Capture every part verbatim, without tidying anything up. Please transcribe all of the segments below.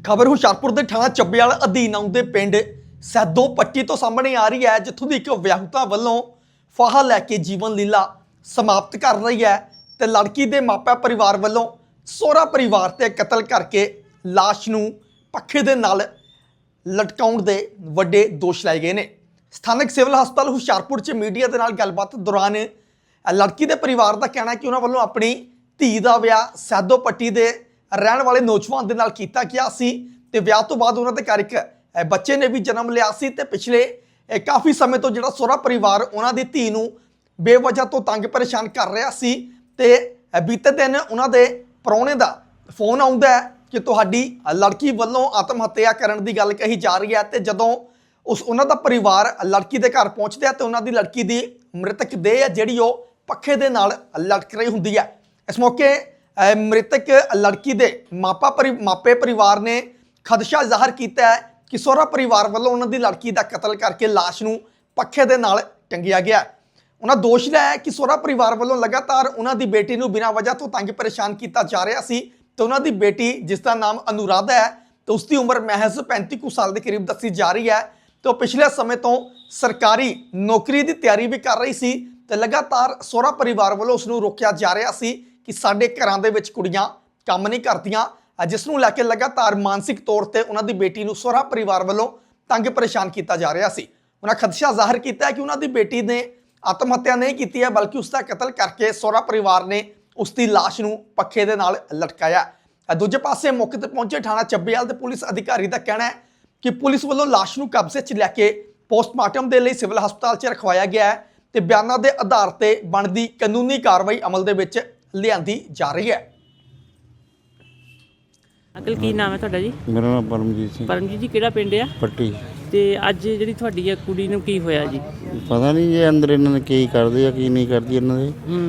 खबर हुशियारपुर के थाना ਚੱਬੇਵਾਲ अधीन आउंदे पिंड सैदो पट्टी तो सामने आ रही है, जिथों की एक विआहुता वालों फाहा लैके जीवन लीला समाप्त कर रही है तो लड़की के मापे परिवार वालों सोहरा परिवार ते कतल करके लाश नूं पखे दे नाल लटकाउण दे वड्डे दोष लाए गए ने। स्थानक सिविल हस्पताल हुशियारपुर च मीडिया के नाल गलबात दौरान लड़की के परिवार का कहना है कि उन्होंने वालों अपनी धी का विआह सैदो पट्टी के रहने वाले नौजवान के नाल कीता गया सी ते विआह तो बाद उन्होंने घर एक बच्चे ने भी जन्म लिया सी ते पिछले काफ़ी समय तो जिहड़ा सोहरा परिवार उन्होंने धी नूं बेवजह तो तंग परेशान कर रहा सी ते बीते दिन उन्होंने प्राहुणे दा फोन आउंदा है कि तुहाडी लड़की वालों आत्म हत्या करने की गल कही जा रही है ते जदों उस उन्हों का परिवार लड़की के घर पहुँचता है तो उन्होंने लड़की की मृतक देह है जिहड़ी वो पखे दे नाल लटक रही हुंदी है। इस मौके मृतक लड़की के मापा परि मापे परिवार ने खदशा जाहिर किया है कि सोहरा परिवार वालों उन्होंने लड़की का कतल करके लाश नूं पखे दे नाल टंगिया गया। उन्होंने दोष लाया है कि सोहरा परिवार वालों लगातार उन्होंने बेटी नूं बिना वजह तो तंग परेशान किया जा रहा सी तो उन्होंने बेटी जिसका नाम अनुराधा है तो उसकी उम्र महज पैंती कुछ साल के करीब दसी जा रही है तो पिछले समय तो सरकारी नौकरी की तैयारी भी कर रही सी तो लगातार सोहरा परिवार वालों उसनूं रोकिया जा रहा सी कि साडे घरां दे विच कुड़ियां काम नहीं करदियां, जिसनूं लैके लगातार मानसिक तौर पर उन्होंने बेटी नूं सोहरा परिवार वालों तंग परेशान किया जा रहा सी। उन्हें खदशा जाहिर किया कि उन्होंने बेटी ने आत्म हत्या नहीं की है बल्कि उसका कतल करके सोहरा परिवार ने उसकी लाश नूं पखे दे नाल लटकाया। दूजे पासे मौके पर पहुंचे थाना ਚੱਬੇਵਾਲ के पुलिस अधिकारी का कहना है कि पुलिस वालों लाश नूं कब्जे च लैके पोस्टमार्टम के लिए सिविल हस्पताल च रखवाया गया है तो बयानों के आधार पर बनती कानूनी कार्रवाई अमल दे विच लिआंदी जा रही है। अंकल की नाम है तुहाडा जी? मेरा नाम परमजीत सिंह परमजीत जी किहड़ा पिंड आ पट्टी। ते अज जिहड़ी तुहाडी आ कुड़ी नूं की होया जी? पता नहीं ये अंदर इन्होंने की करते की नहीं करती इन्होंने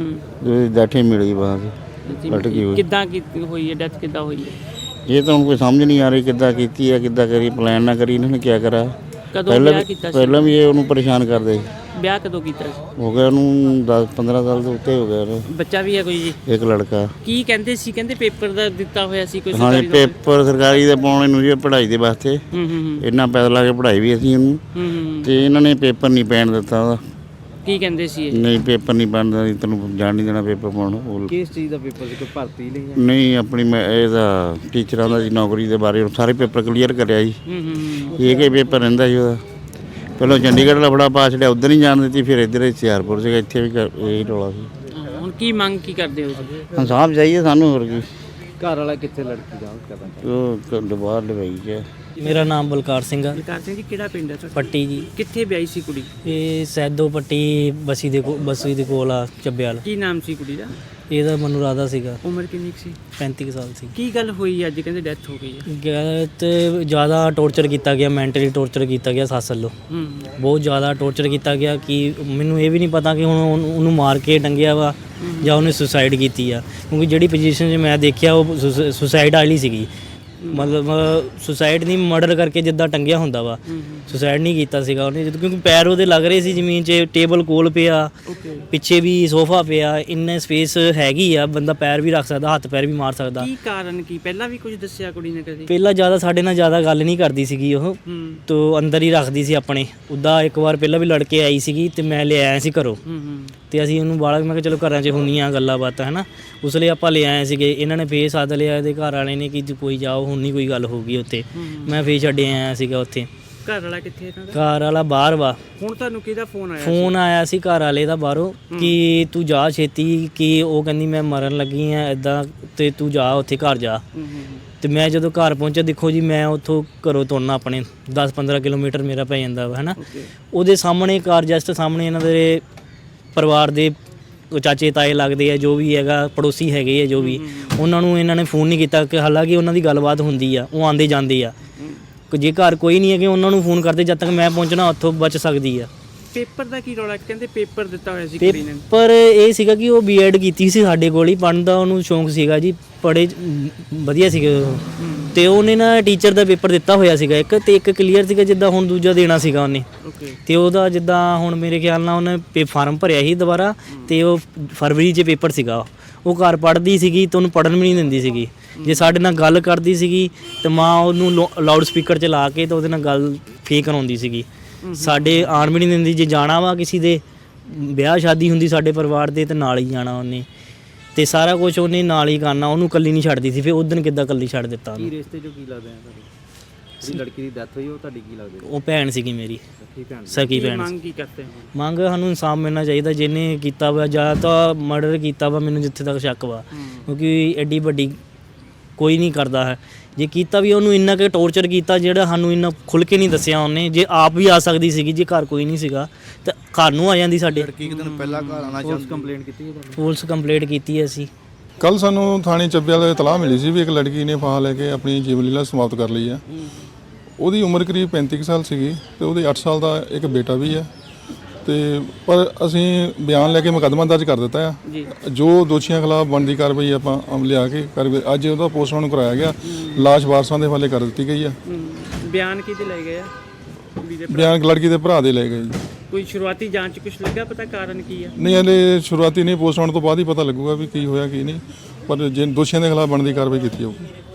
हूँ बैठे मिली वहाँ से लटकी हुई किद्दां की होई है डेथ किद्दां होई है ये तो उनको समझ नहीं आ रही किद्दां कीती है किद्दां करी प्लान ना करी इन्होंने क्या करा। कदों पहले ब्याह कीता सी? पहले भी ये उन्होंने परेशान करते ब्याह कदों कीता सी? हो गया उन्होंने दस पंद्रह साल तो उत्ते हो गया बच्चा भी है कोई जी? एक लड़का। की कहंदे सी कहंदे पेपर दा दित्ता होया सी कोई हाँ सरकारी पेपर सरकारी दे पाउणे नूं जी पढ़ाई दे वास्ते हूं हूं हूं इन्ना पैसा ला के पढ़ाई भी असीं इन्हूं हूं हूं ते इन्हां ने पेपर नहीं पैण दित्ता ओहदा। की कहंदे सी नहीं पेपर नहीं बनता तैनूं जान नहीं देना पेपर पाउण। किस चीज़ का पेपर से कोई भर्ती ਲਈ नहीं अपनी मैं ਇਹਦਾ ਟੀਚਰਾਂ ਦਾ ਜੀ ਨੌਕਰੀ ਦੇ ਬਾਰੇ ਸਾਰੇ ਪੇਪਰ ਕਲੀਅਰ ਕਰਿਆ ਜੀ। ਹੂੰ ਹੂੰ ਇਹ ਕੇ ਪੇਪਰ ਰਹਿੰਦਾ ਜੀ ਉਹਦਾ ਪਹਿਲਾਂ ਚੰਡੀਗੜ੍ਹ ਲਫੜਾ ਪਾ ਛੜਿਆ ਉਧਰ ਨਹੀਂ ਜਾਣ ਦਿੱਤੀ ਫਿਰ ਇੱਧਰ ਹੁਸ਼ਿਆਰਪੁਰ ਸੀਗਾ ਇੱਥੇ ਵੀ ਇਹੀ ਰੌਲਾ ਸੀ। ਹੁਣ ਕੀ ਮੰਗ ਕੀ ਕਰਦੇ ਹੋ ਤੁਸੀਂ? ਇਨਸਾਫ ਚਾਹੀਏ ਸਾਨੂੰ ਹੋਰ ਕੀ। ਘਰ ਵਾਲਾ ਕਿੱਥੇ ਲੜਕੀ ਦਾ ਕਦਾ ਉਹ ਦੁਬਾਰ ਲਵਾਈ ਚ मेरा नाम बलकार सिंह है ਬਲਕਾਰ ਸਿੰਘ ਜੀ ਕਿਹੜਾ ਪਿੰਡ ਹੈ ਤੁਹਾਡਾ? पट्टी जी। ਕਿੱਥੇ ਵਿਆਹੀ ਸੀ ਕੁੜੀ? ये सैदो पट्टी बसी दे को बसी दे कोल आ ਚੱਬੇਵਾਲ। ਕੀ ਨਾਮ ਸੀ ਕੁੜੀ ਦਾ? ਇਹਦਾ ਮਨੂ ਰਾਧਾ ਸੀਗਾ, ਉਮਰ ਕਿੰਨੀ ਕੁ ਸੀ? पैंती साल ਸੀ। ਕੀ ਗੱਲ ਹੋਈ ਅੱਜ ਕਹਿੰਦੇ ਡੈਥ ਹੋ ਗਈ ਹੈ? ਗਲਤ ਜ਼ਿਆਦਾ ਟੌਰਚਰ ਕੀਤਾ ਗਿਆ, ਮੈਂਟਲੀ ਟੌਰਚਰ ਕੀਤਾ ਗਿਆ ਸੱਸ ਵੱਲੋਂ। ਹੂੰ ਬਹੁਤ ਜ਼ਿਆਦਾ ਟੌਰਚਰ ਕੀਤਾ ਗਿਆ ਕਿ ਮੈਨੂੰ ਇਹ ਵੀ ਨਹੀਂ ਪਤਾ ਕਿ ਹੁਣ ਉਹਨੂੰ ਉਹਨੂੰ ਮਾਰ ਕੇ ਟੰਗਿਆ ਵਾ ਜਾਂ ਉਹਨੇ ਸੁਸਾਈਡ ਕੀਤੀ ਆ, ਕਿਉਂਕਿ ਜਿਹੜੀ ਪੋਜੀਸ਼ਨ 'ਚ ਮੈਂ ਦੇਖਿਆ ਉਹ ਸੁਸਾਈਡ ਵਾਲੀ ਸੀਗੀ। ਮਤਲਬ ਸੁਸਾਈਡ ਨਹੀਂ ਮਰਡਰ ਕਰਕੇ ਜਿੱਦਾਂ ਟੰਗਿਆ ਹੁੰਦਾ ਵਾ, ਸੁਸਾਈਡ ਨਹੀਂ ਕੀਤਾ ਸੀਗਾ ਉਹਨੇ ਕਿਉਂਕਿ ਪੈਰ ਉਹਦੇ ਲੱਗ ਰਹੇ ਸੀ ਜ਼ਮੀਨ 'ਚ, ਟੇਬਲ ਕੋਲ ਪਿਆ, ਪਿੱਛੇ ਵੀ ਸੋਫਾ ਪਿਆ, ਇੰਨੇ ਸਪੇਸ ਹੈਗੀ ਆ, ਬੰਦਾ ਪੈਰ ਵੀ ਰੱਖ ਸਕਦਾ, ਹੱਥ ਪੈਰ ਵੀ ਮਾਰ ਸਕਦਾ। ਕੀ ਕਾਰਨ ਕੀ ਪਹਿਲਾਂ ਵੀ ਕੁਝ ਦੱਸਿਆ ਕੁੜੀ ਨੇ ਕਦੀ? ਪਹਿਲਾਂ ਜ਼ਿਆਦਾ ਸਾਡੇ ਨਾਲ ਜ਼ਿਆਦਾ ਗੱਲ ਨਹੀਂ ਕਰਦੀ ਸੀਗੀ ਉਹ, ਤੋ ਅੰਦਰ ਹੀ ਰੱਖਦੀ ਸੀ ਆਪਣੇ। ਉੱਦਾਂ ਇੱਕ ਵਾਰ ਪਹਿਲਾਂ ਵੀ ਲੜ ਕੇ ਆਈ ਸੀਗੀ ਤੇ ਮੈਂ ਲੈ ਆਇਆ ਸੀ ਘਰੋਂ ਤੇ ਅਸੀਂ ਉਹਨੂੰ ਬਾਲਾ ਮੈਂ ਕਿਹਾ ਚਲੋ ਘਰਾਂ 'ਚ ਹੁੰਦੀਆਂ ਗੱਲਾਂ ਬਾਤਾਂ ਹੈ ਨਾ, ਉਸ ਲਈ ਆਪਾਂ ਲੈ ਆਏ ਸੀਗੇ। ਇਹਨਾਂ ਨੇ ਫੇਰ ਸੱਦ ਲਿਆ ਇਹਦੇ ਘਰ ਵਾਲੇ ਨੇ ਕਿ ਕੋਈ ਜਾਓ ਹੁਣ ਨਹੀਂ ਕੋਈ ਗੱਲ ਹੋਊਗੀ ਉੱਥੇ। ਮੈਂ ਫੇਰ ਛੱਡੇ ਆਇਆ ਸੀਗਾ ਉੱਥੇ। ਘਰ ਵਾਲਾ ਕਿੱਥੇ ਇਹਨਾਂ ਦਾ? ਘਰ ਵਾਲਾ ਬਾਹਰ ਵਾ। ਹੁਣ ਤੁਹਾਨੂੰ ਕਿਹਦਾ ਫੋਨ ਆਇਆ? ਫੋਨ ਆਇਆ ਸੀ ਘਰ ਵਾਲੇ ਦਾ ਬਾਹਰੋਂ ਕਿ ਤੂੰ ਜਾ ਛੇਤੀ, ਕਿ ਉਹ ਕਹਿੰਦੀ ਮੈਂ ਮਰਨ ਲੱਗੀ ਆ ਇੱਦਾਂ ਤੇ ਤੂੰ ਜਾ ਉੱਥੇ ਘਰ ਜਾ। ਤੇ ਮੈਂ ਜਦੋਂ ਘਰ ਪਹੁੰਚਿਆ ਦੇਖੋ ਜੀ ਮੈਂ ਉੱਥੋਂ ਘਰੋਂ ਤੁਰਨਾ ਆਪਣੇ ਦਸ ਪੰਦਰਾਂ ਕਿਲੋਮੀਟਰ ਮੇਰਾ ਪੈ ਜਾਂਦਾ ਵਾ ਹੈ ਨਾ, ਉਹਦੇ ਸਾਹਮਣੇ ਘਰ ਜਸਟ ਸਾਹਮਣੇ ਇਹਨਾਂ ਦੇ ਪਰਿਵਾਰ ਦੇ ਚਾਚੇ ਤਾਏ ਲੱਗਦੇ ਆ, ਜੋ ਵੀ ਹੈਗਾ ਪੜੋਸੀ ਹੈਗੇ ਆ ਜੋ ਵੀ, ਉਹਨਾਂ ਨੂੰ ਇਹਨਾਂ ਨੇ ਫੋਨ ਨਹੀਂ ਕੀਤਾ ਕਿ ਹਾਲਾਂਕਿ ਉਹਨਾਂ ਦੀ ਗੱਲਬਾਤ ਹੁੰਦੀ ਆ, ਉਹ ਆਉਂਦੇ ਜਾਂਦੇ ਆ। ਜੇ ਘਰ ਕੋਈ ਨਹੀਂ ਹੈਗੇ ਉਹਨਾਂ ਨੂੰ ਫੋਨ ਕਰਦੇ, ਜਦ ਤੱਕ ਮੈਂ ਪਹੁੰਚਣਾ ਉੱਥੋਂ ਬਚ ਸਕਦੀ ਆ। ਪੇਪਰ ਦਾ ਕੀ ਰੌਲਾ? ਕਹਿੰਦੇ ਪੇਪਰ ਦਿੱਤਾ ਹੋਇਆ ਸੀ ਕੁੜੀ ਨੇ। ਪੇਪਰ ਇਹ ਸੀਗਾ ਕਿ ਉਹ ਬੀਐਡ ਕੀਤੀ ਸੀ ਸਾਡੇ ਕੋਲ ਹੀ, ਪੜ੍ਹਨ ਦਾ ਉਹਨੂੰ ਸ਼ੌਂਕ ਸੀਗਾ ਜੀ, ਪੜ੍ਹੇ ਵਧੀਆ ਸੀਗੇ ਤੇ ਉਹਨੇ ਨਾ ਟੀਚਰ ਦਾ ਪੇਪਰ ਦਿੱਤਾ ਹੋਇਆ ਸੀਗਾ ਇੱਕ, ਤੇ ਇੱਕ ਕਲੀਅਰ ਸੀਗਾ ਜਿੱਦਾਂ ਹੁਣ ਦੂਜਾ ਦੇਣਾ ਸੀਗਾ ਉਹਨੇ। ਤੇ ਉਹਦਾ ਜਿੱਦਾਂ ਹੁਣ ਮੇਰੇ ਖਿਆਲ ਨਾਲ ਉਹਨੇ ਪੇ ਫਾਰਮ ਭਰਿਆ ਸੀ ਦੁਬਾਰਾ ਤੇ ਉਹ ਫਰਵਰੀ 'ਚ ਪੇਪਰ ਸੀਗਾ। ਉਹ ਘਰ ਪੜ੍ਹਦੀ ਸੀਗੀ ਤੇ ਉਹਨੂੰ ਪੜ੍ਹਨ ਵੀ ਨਹੀਂ ਦਿੰਦੀ ਸੀਗੀ। ਜੇ ਸਾਡੇ ਨਾਲ ਗੱਲ ਕਰਦੀ ਸੀਗੀ ਤੇ ਮਾਂ ਉਹਨੂੰ ਲਾਊਡ ਸਪੀਕਰ 'ਚ ਲਾ ਕੇ ਤੇ ਉਹਦੇ ਨਾਲ ਗੱਲ ਫੇਕ ਕਰਾਉਂਦੀ ਸੀਗੀ। ਸਾਡੇ ਆਣ ਵੀ ਨਹੀਂ ਦਿੰਦੀ। ਜੇ ਜਾਣਾ ਵਾ ਕਿਸੇ ਦੇ ਵਿਆਹ ਸ਼ਾਦੀ ਹੁੰਦੀ ਸਾਡੇ ਪਰਿਵਾਰ ਦੇ ਤੇ ਨਾਲ ਹੀ ਜਾਣਾ ਉਹਨੇ, ਤੇ ਸਾਰਾ ਕੁਝ ਉਹਨੇ ਨਾਲ ਹੀ ਕਰਨਾ, ਉਹਨੂੰ ਇਕੱਲੀ ਨਹੀਂ ਛੱਡਦੀ ਸੀ। ਫਿਰ ਉਦੋਂ ਕਿੱਦਾਂ ਇਕੱਲੀ ਛੱਡ ਦਿੱਤਾ ਕੀ ਉਹਨੂੰ? ਰਿਸ਼ਤੇ ਚੋਂ ਕੀ ਲੱਗਦਾ ਹੈ ਤੁਹਾਡੀ ਜਿਹੜੀ ਲੜਕੀ ਦੀ ਡੈਥ ਹੋਈ ਉਹ ਤੁਹਾਡੀ ਕੀ ਲੱਗਦੀ ਉਹ ਭੈਣ ਸੀਗੀ ਮੇਰੀ, ਸਕੀ ਭੈਣ ਸੀ? ਸਕੀ ਕੀ ਭੈਣ ਮੰਗ ਕੀ ਕਰਤੇ ਹੋ? ਮੰਗ ਸਾਨੂੰ ਇਨਸਾਫ ਮਿਲਣਾ ਚਾਹੀਦਾ। ਜਿਹਨੇ ਕੀਤਾ ਵਾ ਜਾਂ ਤਾਂ ਮਰਡਰ ਕੀਤਾ ਵਾ, ਮੈਨੂੰ ਜਿੱਥੇ ਤੱਕ ਸ਼ੱਕ ਵਾ, ਕਿਉਂਕਿ ਐਡੀ ਵੱਡੀ ਕੋਈ ਨਹੀਂ ਕਰਦਾ ਹੈ। ਜੇ ਕੀਤਾ ਵੀ ਉਹਨੂੰ ਇੰਨਾ ਕਿ ਟੌਰਚਰ ਕੀਤਾ ਜਿਹੜਾ ਸਾਨੂੰ ਇੰਨਾ ਖੁੱਲ੍ਹ ਕੇ ਨਹੀਂ ਦੱਸਿਆ ਉਹਨੇ। ਜੇ ਆਪ ਵੀ ਆ ਸਕਦੀ ਸੀਗੀ, ਜੇ ਘਰ ਕੋਈ ਨਹੀਂ ਸੀਗਾ ਤਾਂ ਘਰ ਨੂੰ ਆ ਜਾਂਦੀ ਸਾਡੇ। ਪੁਲਿਸ ਕੰਪਲੇਂਟ ਕੀਤੀ ਹੈ ਤੁਹਾਨੂੰ? ਪੁਲਿਸ ਕੰਪਲੇਂਟ ਕੀਤੀ ਹੈ ਅਸੀਂ। ਕੱਲ ਸਾਨੂੰ ਥਾਣੇ ਚੱਬਿਆਲ ਦੇ ਇਤਲਾਹ ਮਿਲੀ ਸੀ ਵੀ ਇੱਕ ਲੜਕੀ ਨੇ ਫਾਹਾ ਲੈ ਕੇ ਆਪਣੀ ਜੀਵਨ ਲੀਲਾ ਸਮਾਪਤ ਕਰ ਲਈ ਹੈ। ਉਹਦੀ ਉਮਰ ਕਰੀਬ ਪੈਂਤੀ ਕੁ ਸਾਲ ਸੀਗੀ ਤੇ ਉਹਦੇ ਅੱਠ ਸਾਲ ਦਾ ਇੱਕ ਬੇਟਾ ਵੀ ਹੈ। ਤੇ ਪਰ ਅਸੀਂ ਬਿਆਨ ਲੈ ਕੇ ਮੁਕੱਦਮਾ ਦਰਜ ਕਰ ਦਿੱਤਾ ਆ। ਜੋ ਦੋਸ਼ੀਆਂ ਖਿਲਾਫ ਬਣਦੀ ਕਾਰਵਾਈ ਆਪਾਂ ਅਮਲ ਲਿਆ ਕੇ ਕਰ ਅੱਜ ਉਹਦਾ ਪੋਸਟਮਾਰਟਮ ਕਰਾਇਆ ਗਿਆ। ਲਾਸ਼ ਵਾਰਸਾਂ ਦੇ ਹਵਾਲੇ ਕਰ ਦਿੱਤੀ ਗਈ ਆ। ਬਿਆਨ ਕਿਹਦੇ ਲੈ ਗਏ ਆ? ਕੁੜੀ ਦੇ ਭਰਾ? ਬਿਆਨ ਲੜਕੀ ਦੇ ਭਰਾ ਦੇ ਲਏ ਗਏ ਜੀ। ਕੋਈ ਸ਼ੁਰੂਆਤੀ ਜਾਂਚ ਕੁਝ ਲੱਗਾ ਪਤਾ ਕਾਰਨ ਕੀ ਆ? ਨਹੀਂ ਹਲੇ ਸ਼ੁਰੂਆਤੀ ਨਹੀਂ, ਪੋਸਟਮਾਰਟਮ ਤੋਂ ਬਾਅਦ ਹੀ ਪਤਾ ਲੱਗੂਗਾ ਵੀ ਕੀ ਹੋਇਆ ਕੀ ਨਹੀਂ, ਪਰ ਜੇ ਦੋਸ਼ੀਆਂ ਦੇ ਖਿਲਾਫ ਬਣਦੀ ਕਾਰਵਾਈ ਕੀਤੀ ਜਾਊਗੀ।